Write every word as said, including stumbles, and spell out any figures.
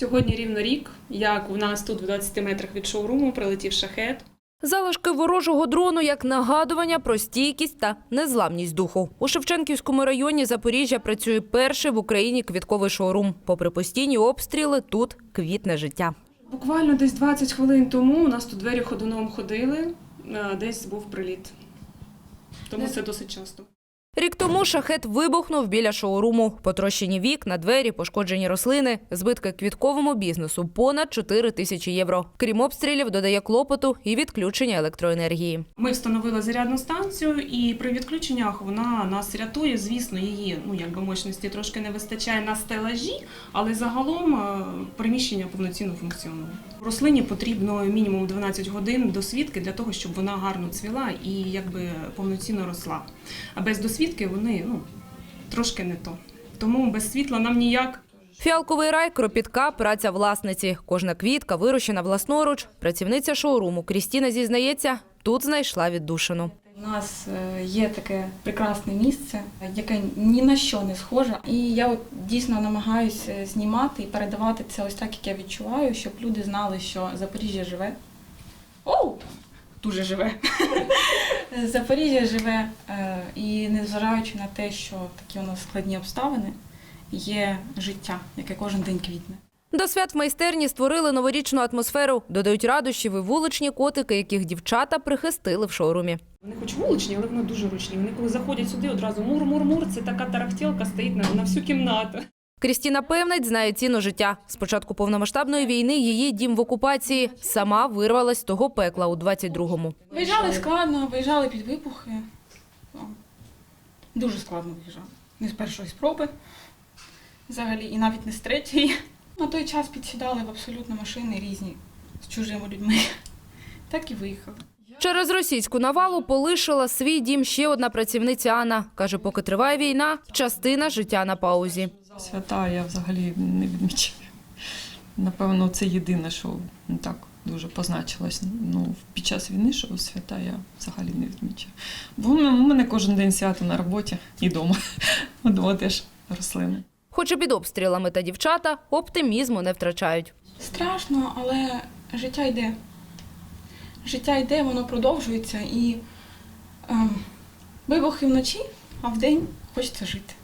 Сьогодні рівно рік, як у нас тут в двадцяти метрах від шоуруму прилетів шахед. Залишки ворожого дрону як нагадування про стійкість та незламність духу. У Шевченківському районі Запоріжжя працює перший в Україні квітковий шоурум. Попри постійні обстріли, тут квітне життя. Буквально десь двадцять хвилин тому у нас тут двері ходуном ходили, десь був приліт. Тому це досить часто. Рік тому шахед вибухнув біля шоуруму. Потрощені вікна, двері, пошкоджені рослини. Збитки квітковому бізнесу – понад чотири тисячі євро. Крім обстрілів, додає клопоту і відключення електроенергії. Ми встановили зарядну станцію, і при відключеннях вона нас рятує. Звісно, її ну, якби мощності трошки не вистачає на стелажі, але загалом приміщення повноцінно функціонує. Рослині потрібно мінімум дванадцять годин досвідки для того, щоб вона гарно цвіла і якби повноцінно росла. А без досвідки вони ну, трошки не то. Тому без світла нам ніяк. Фіалковий рай – кропітка праця власниці. Кожна квітка вирощена власноруч. Працівниця шоуруму Крістіна зізнається, тут знайшла віддушину. У нас є таке прекрасне місце, яке ні на що не схоже. І я от дійсно намагаюся знімати і передавати це ось так, як я відчуваю, щоб люди знали, що Запоріжжя живе. Оу! Дуже живе. Запоріжжя живе, і незважаючи на те, що такі у нас складні обставини, є життя, яке кожен день квітне. До свят в майстерні створили новорічну атмосферу. Додають радощів і вуличні котики, яких дівчата прихистили в шоурумі. Вони хоч вуличні, але вони дуже ручні. Вони коли заходять сюди, одразу мур-мур-мур, це така тарахтілка стоїть на, на всю кімнату. Крістіна певнить, знає ціну життя. З початку повномасштабної війни її дім в окупації. Сама вирвалась з того пекла у двадцять другому. Виїжджали складно, виїжджали під вибухи. Дуже складно виїжджали. Не з першої спроби взагалі, і навіть не з третьої. На той час підсідали в абсолютно машини різні з чужими людьми. Так і виїхали. Через російську навалу полишила свій дім ще одна працівниця Анна. Каже, поки триває війна, частина життя на паузі. Свята я взагалі не відмічаю. Напевно, це єдине, що ну, так дуже позначилось. Ну, під час війни, що свята я взагалі не відмічаю. Бо у мене кожен день свято на роботі і вдома. Вдома теж рослини. Хоч і під обстрілами та дівчата оптимізму не втрачають. Страшно, але життя йде. Життя йде, воно продовжується. І е, вибухи вночі, а вдень хочеться жити.